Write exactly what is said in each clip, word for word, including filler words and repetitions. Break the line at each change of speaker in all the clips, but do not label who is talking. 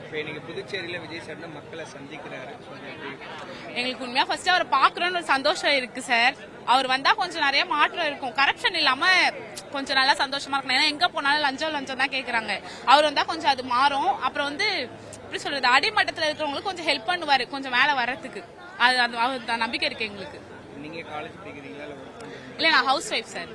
இப்போ இன்னைக்கு புதுச்சேரியில் விஜய் சார் தான் மக்களை சந்திக்கிறாரு.
எங்களுக்கு உண்மையா ஃபர்ஸ்ட் அவர் பாக்குறோன்னு ஒரு சந்தோஷம் இருக்கு சார். அவர் வந்தா கொஞ்சம் நிறைய மாற்றம் இருக்கும், கரப்ஷன் இல்லாம கொஞ்சம் நல்லா சந்தோஷமா இருக்கணும். ஏன்னா எங்க போனாலும் லஞ்சம் லஞ்சம் தான் கேக்குறாங்க. அவர் வந்தா கொஞ்சம் அது மாறும். அப்புறம் வந்து எப்படி சொல்றது, அடிமட்டத்தில் இருக்கிறவங்களுக்கு கொஞ்சம் ஹெல்ப் பண்ணுவாரு கொஞ்சம் மேல வர்றதுக்கு. அது அது நம்பிக்கை இருக்கு எங்களுக்கு.
நீங்க காலேஜ் படிக்கிறீங்களா இல்ல ஒர்க் பண்றீங்களா?
இல்ல நான் ஹவுஸ் ஒய்ஃப் சார்.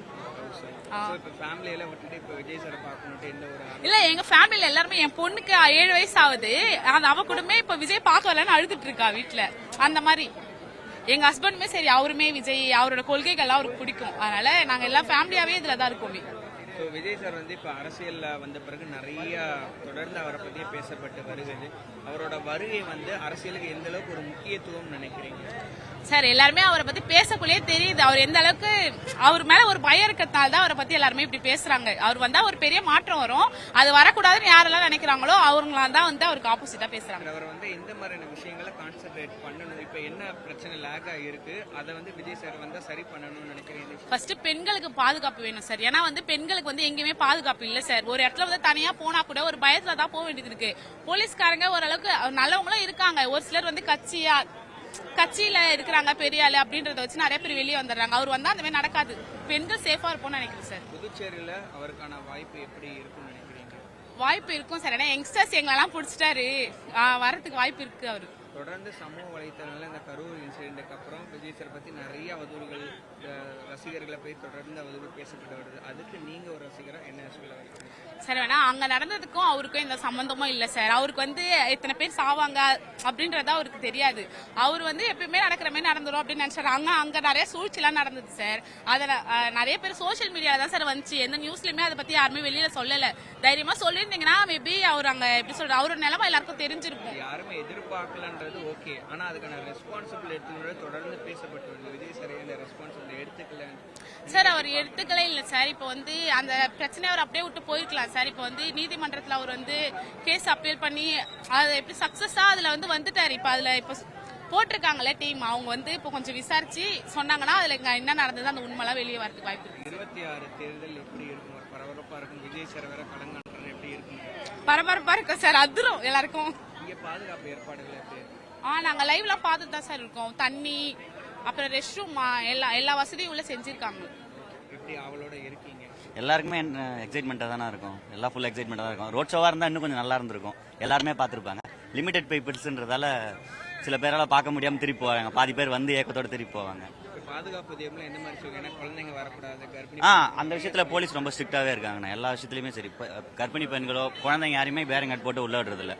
இல்ல எங்க ஃபேமிலில எல்லாருமே, என் பொண்ணுக்கு ஏழு வயசு ஆகுது, அவ கூடமே இப்ப விஜய் பார்க்க வரலன்னு அழுதுட்டு இருக்கா வீட்டுல. அந்த மாதிரி எங்க ஹஸ்பண்டுமே சரி, அவருமே விஜய் அவரோட கொள்கைகள் அவருக்கு பிடிக்கும். அதனால நாங்க எல்லா ஃபேமிலியாவே இதுலதான் இருக்கோமே.
விஜய் சார் வந்து இப்ப அரசியல்ல வந்த பிறகு நிறைய தொடர்ந்து அவரை பத்தியே பேசப்பட்டு வருகிறது. அவரோட வருகை வந்து அரசியலுக்கு எந்த அளவுக்கு ஒரு முக்கியத்துவம் நினைக்கிறீங்க
சார்? எல்லாருமே அவரை பத்தி பேசக்குள்ளே தெரியுது அவர் எந்த அளவுக்கு அவர் மேல ஒரு பயம் இருக்கிறதுனால தான் அவரை பத்தி எல்லாருமே இப்படி பேசுறாங்க. அவர் வந்தா ஒரு பெரிய மாற்றம் வரும், அது வரக்கூடாதுன்னு யாரெல்லாம் நினைக்கிறாங்களோ அவங்களா தான் வந்து அவருக்கு ஆப்போசிட்டா பேசுறாங்க.
அவர் வந்து இந்த மாதிரியான விஷயங்களை கான்சென்ட்ரேட் பண்ணணும். இப்ப என்ன பிரச்சனை லேகா இருக்கு, அதை வந்து விஜய் சார் வந்து சரி பண்ணணும்னு நினைக்கிறீங்க?
ஃபர்ஸ்ட் பெண்களுக்கு பாதுகாப்பு வேணும் சார். ஏன்னா வந்து பெண்களுக்கு வந்து எங்கேயுமே பாதுகாப்பு இல்ல சார். ஒரு இடத்துல வந்து தனியா போனா கூட ஒரு பயத்துல தான் போக வேண்டியது இருக்கு. போலீஸ்காரங்க ஓரளவுக்கு நல்லவங்களும் இருக்காங்க, ஒரு சிலர் வந்து கட்சியா கட்சியில இருக்கிறாங்க பெரிய ஆளு அப்படின்றத வச்சு நிறைய பேர் வெளியே வந்துடுறாங்க. அவர் வந்தா அந்த மாதிரி நடக்காது, பெண்கள் சேஃபா இருப்போம்னு நினைக்கிறேன் சார்.
புதுச்சேரியில அவருக்கான வாய்ப்பு எப்படி இருக்கும்னு நினைக்கிறீங்க?
வாய்ப்பு இருக்கும் சார். ஏன்னா யங்ஸ்டர்ஸ் எங்களெல்லாம் பிடிச்சிட்டாரு, வரதுக்கு வாய்ப்பு இருக்கு. அவரு
தொடர்ந்து சமூக வலைத்தளங்களில் இந்த கரூர் இன்சிடென்ட்டுக்கு அப்புறம் விஜய் சார் பத்தி நிறைய அவதூறுகள் ரசிகர்களை போய் தொடர்ந்து அவதூறு பேசப்பட்டு வருது. அதுக்கு நீங்க ஒரு ரசிகரா என்ன சொல்ல
சார்? வேணா அங்க நடந்ததுக்கும் அவருக்கும் எந்த சம்பந்தமும் இல்ல சார். அவருக்கு வந்து எத்தனை பேர் சாவாங்க அப்படின்றத அவருக்கு தெரியாது. அவர் வந்து எப்பயுமே நடக்கிற மாதிரி நடந்துரும் அப்படின்னு நினைச்சாரு. அங்க அங்க நிறைய சூழ்ச்சி எல்லாம் நடந்தது சார். அதுல நிறைய பேர் சோசியல் மீடியால தான் சார் வந்துச்சு, எந்த நியூஸ்லயுமே அதை பத்தி யாருமே வெளியில சொல்லல. தைரியமா சொல்லியிருந்தீங்கன்னா மேபி அவர் அங்க எப்படி சொல்ற அவரோட நிலைமை எல்லாருக்கும் தெரிஞ்சிருக்கும்.
யாருமே எதிர்பார்க்கலன்றது ஓகே, ஆனா அதுக்கான ரெஸ்பான்சிபிள் எடுத்து தொடர்ந்து பேசப்பட்டு வருது. விஜய் சார் அந்த ரெஸ்பான்சிபிள் எடுத்துக்கல
சார். அவர் எடுத்துக்கலே இல்ல சார். இப்போ வந்து அந்த பிரச்சனையை அவர் அப்படியே விட்டு போயிருக்கலாம் சார். இப்போ வந்து நீதிமன்றத்தில் அவர் வந்து கேஸ் அப்பீல் பண்ணி அது எப்படி சக்சஸா அதுல வந்து வந்துட்டாரு. இப்போ அதுல இப்போ போட்டிருக்காங்கல்ல டீம், அவங்க வந்து இப்போ கொஞ்சம் விசாரிச்சு சொன்னாங்கன்னா அதுல என்ன நடந்தது அந்த உண்மைலாம் வெளியே வரதுக்கு வாய்ப்பு இருக்கு.
இருபத்தி ஆறு தேர்தல் எப்படி இருக்கும்? ஒரு பரபரப்பா இருக்கும். விஜய் சார் வேற கலங்கான எப்படி இருக்கும்?
பரபரப்பா இருக்கும் சார், அதிரும் எல்லாருக்கும்.
இங்க பாதுகாப்பு ஏற்பாடுகள் எப்படி?
ஆ நாங்க லைவ்ல பார்த்துட்டு தான் சார் இருக்கோம். தண்ணி அப்புறம் ரெஸ்ட் ரூம் எல்லா எல்லா வசதியும் உள்ள செஞ்சிருக்காங்க.
எப்படி அவளோட இருக்கீங்க?
எல்லாருக்குமே எக்ஸைட்மெண்ட்டாக தானே இருக்கும், எல்லாம் ஃபுல் எக்ஸைட்மெண்ட்டாக தான் இருக்கும். ரோட் ஷோவாக இருந்தால் இன்னும் கொஞ்சம் நல்லா இருந்திருக்கும், எல்லாருமே பார்த்துருப்பாங்க. லிமிடெட் பீப்புள்ஸ்ன்றதால சில பேரால் பார்க்க முடியாமல் திருப்பி போவாங்க, பாதி பேர் வந்து ஏக்கத்தோடு திருப்பி போவாங்க.
பாதுகாப்பு தேவையில்லை எந்த மாதிரி சொல்லுங்க? குழந்தைங்க வரக்கூடாது, கர்ப்பிணி.
ஆ அந்த விஷயத்தில் போலீஸ் ரொம்ப ஸ்ட்ரிக்டாகவே இருக்காங்கண்ணா, எல்லா விஷயத்துலையுமே சரி. கர்ப்பிணி பெண்களோ குழந்தைங்க யாரையுமே பேரிங் கட் போட்டு உள்ள விடுறதில்ல.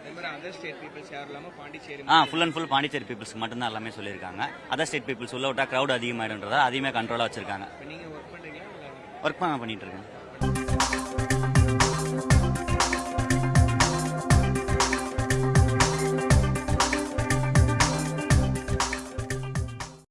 ஆ ஃபுல் அண்ட் ஃபுல் பாண்டிச்சேரி பீப்புள்ஸ்க்கு மட்டும்தான் எல்லாமே சொல்லியிருக்காங்க. அதர் ஸ்டேட் பீப்புள்ஸ் உள்ள விட்டா க்ரௌட் அதிகமாகிடுன்றதா அதையுமே கண்ட்ரோலாக வச்சிருக்காங்க.
நீங்க ஒர்க் பண்றீங்களா?
ஒர்க் பண்ண பண்ணிட்டு இருக்கேன்.